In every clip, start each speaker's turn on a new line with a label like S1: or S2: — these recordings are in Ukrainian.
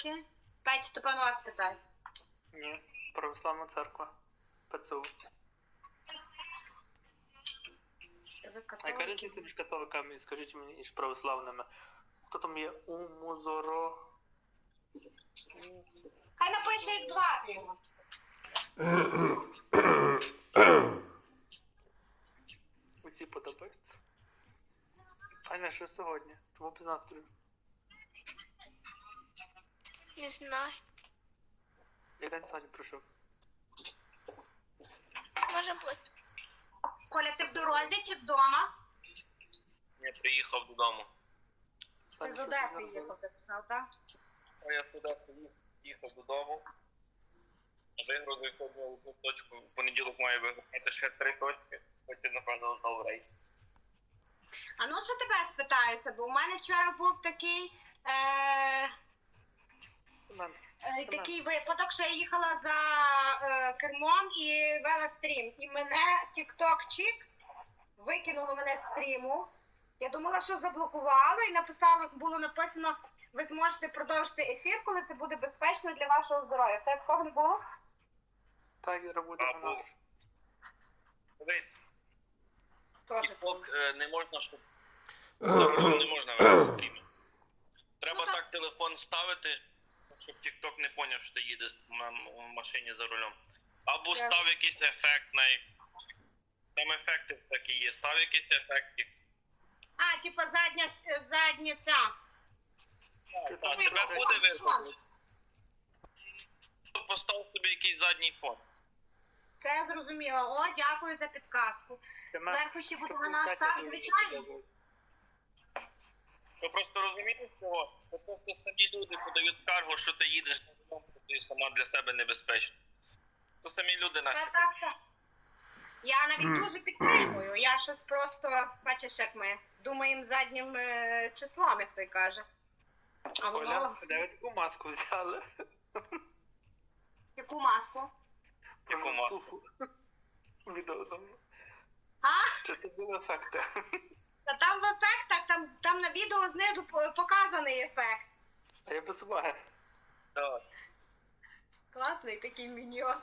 S1: католики. Петя, то певно вас питають.
S2: Ні, православна церква. ПЦУ. А яка різниця між католиками, скажіть мені, і православними? Хто там є? Умузоро?
S1: Хай напише їх два.
S2: Усі подобаються. Аня, що сьогодні? Тому без настрою.
S3: Не знаю.
S2: Як день сьогодні пройшов?
S3: Може бути.
S1: Коля, ти в дорозі чи вдома?
S4: Я приїхав додому.
S1: Ти з Одеси їхав, ти писав, так?
S4: А я з Одеси їхав додому. Вигрузив сьогодні одну точку. В понеділок маю виграти ще 3 точки. Потім, напевно, знову рейс.
S1: А ну що тебе спитаюся, бо у мене вчора був такий такий випадок, що я їхала за кермом і вела стрім. І мене тік-ток-чік викинуло мене з стріму. Я думала, що заблокувало, і було написано, ви зможете продовжити ефір, коли це буде безпечно для вашого здоров'я. В тебе такого не було?
S2: Так, я роблю на нас.
S4: Дивись,
S1: Тоже.
S4: тік-ток не можна, щоб не можна вести стрімі. Треба так телефон ставити, щоб тік-ток не поняв, що ти їдеш в машині за рулем. Або став якийсь ефект там ефекти всякі є. Став якийсь ефект.
S1: А, типа задня ця.
S4: Так, тебе буде видно. Постав собі якийсь задній фон.
S1: Все зрозуміло. О, дякую за підказку. Зверху ще буде вона так, звичайно.
S4: Ви просто розумієте цього? Це просто самі люди подають скаргу, що ти їдеш на дому, що ти сама для себе небезпечна. То самі люди наші.
S1: Так. Я навіть дуже підтримую. Я щось просто, бачиш, як ми думаємо заднім числом, як той каже. А воно...
S2: Оля, де ви таку маску взяли?
S1: Яку масу?
S4: Яку маску?
S2: Відео там.
S1: А?
S2: Чи це були ефекти?
S1: Та там в ефектах, там на відео знизу показаний ефект.
S2: А я без уваги.
S4: Так.
S1: Класний такий міньйон.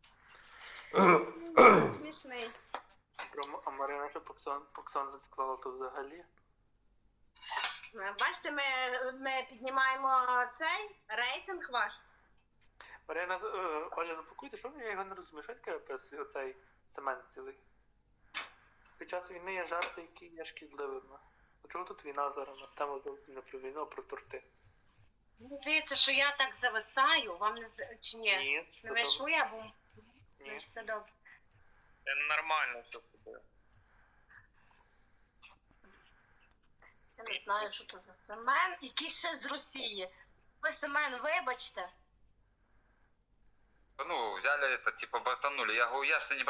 S1: Смішний.
S2: А Марина ще Поксон зацікла, то взагалі.
S1: Бачите, ми піднімаємо цей рейтинг ваш.
S2: Марина, Оля, запакуйте, що я його не розумію, що таке описує оцей семен цілий? Під час війни є жарти, які є шкідливими. А чого тут війна зараз? На тему зовсім не про війну, а про торти.
S1: Мені здається, що я так зависаю, вам не чи ні?
S2: Ні, все
S1: Не вишу
S2: добре.
S1: я, бо
S2: Ні.
S1: все добре.
S4: Це нормально все буде.
S1: Я не знаю, що це за Семен, який ще з Росії. Ви, Семен, вибачте.
S5: Ну, взяли это, типа, бортанули. Я говорю, я что не